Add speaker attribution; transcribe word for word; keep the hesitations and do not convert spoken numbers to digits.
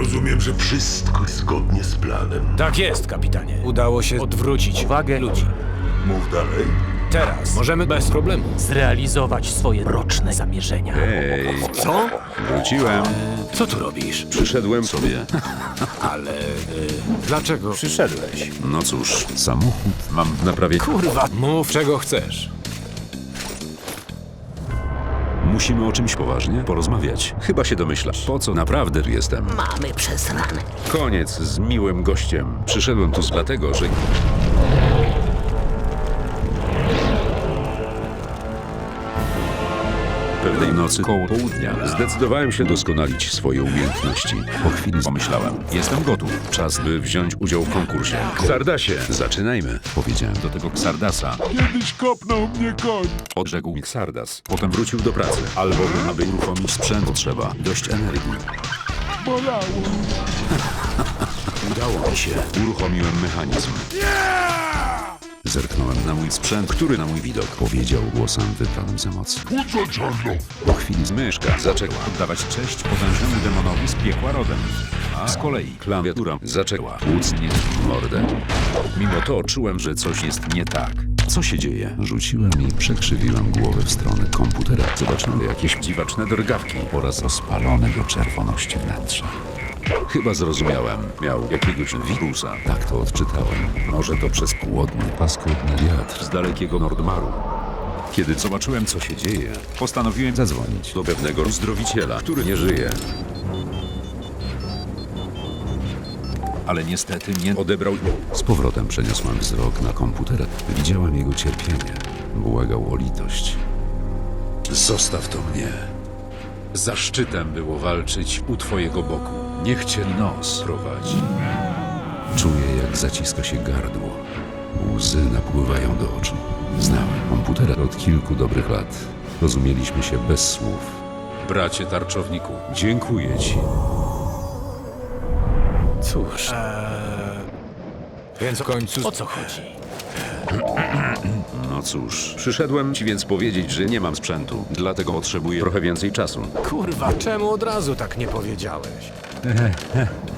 Speaker 1: Rozumiem, że wszystko zgodnie z planem.
Speaker 2: Tak jest, kapitanie. Udało się odwrócić uwagę ludzi.
Speaker 1: Mów dalej.
Speaker 2: Teraz możemy bez problemu.
Speaker 3: Zrealizować swoje mroczne zamierzenia.
Speaker 4: Ej,
Speaker 2: Co?
Speaker 4: wróciłem.
Speaker 2: Co tu robisz?
Speaker 4: Przyszedłem sobie.
Speaker 2: Ale... Y, dlaczego przyszedłeś?
Speaker 4: No cóż, samochód mam w naprawie.
Speaker 2: Kurwa, mów czego chcesz.
Speaker 4: Musimy o czymś poważnie porozmawiać. Chyba się domyślasz, po co naprawdę tu jestem.
Speaker 3: Mamy przesrane.
Speaker 4: Koniec z miłym gościem. Przyszedłem tu dlatego, że... Pewnej nocy koło południa zdecydowałem się doskonalić swoje umiejętności. Po chwili pomyślałem, jestem gotów. Czas, by wziąć udział w konkursie. Ksardasie, zaczynajmy. Powiedziałem do tego Ksardasa.
Speaker 1: Kiedyś kopnął mnie koń.
Speaker 4: Odrzekł mi Ksardas. Potem wrócił do pracy. Albowiem, aby uruchomić sprzęt, potrzeba dość energii.
Speaker 1: Bolało.
Speaker 4: Udało mi się. Uruchomiłem mechanizm. Zerknąłem na mój sprzęt, który na mój widok powiedział głosem wypranym z emocji.
Speaker 1: Uco czarno.
Speaker 4: Po chwili myszka zaczęła oddawać cześć potężnemu demonowi z piekła rodem. A z kolei klawiatura zaczęła tłuc mnie w mordę. Mimo to czułem, że coś jest nie tak. Co się dzieje? Rzuciłem i przekrzywiłem głowę w stronę komputera. Zobaczyłem jakieś dziwaczne drgawki oraz rozpalone do czerwoności wnętrza. Chyba zrozumiałem. Miał jakiegoś wirusa. Tak to odczytałem. Może to przez płodny, paskudny wiatr z dalekiego Nordmaru. Kiedy zobaczyłem, co się dzieje, postanowiłem zadzwonić do pewnego uzdrowiciela, który nie żyje. Ale niestety nie odebrał. Z powrotem przeniosłem wzrok na komputer. Widziałem jego cierpienie. Błagał o litość. Zostaw to mnie. Zaszczytem było walczyć u twojego boku. Niech cię nos prowadzi. Czuję, jak zaciska się gardło. Łzy napływają do oczu. Znałem komputera od kilku dobrych lat. Rozumieliśmy się bez słów. Bracie tarczowniku, dziękuję ci.
Speaker 2: Cóż... Eee, więc w końcu o co chodzi?
Speaker 4: No cóż, przyszedłem ci więc powiedzieć, że nie mam sprzętu. Dlatego potrzebuję trochę więcej czasu.
Speaker 2: Kurwa, czemu od razu tak nie powiedziałeś?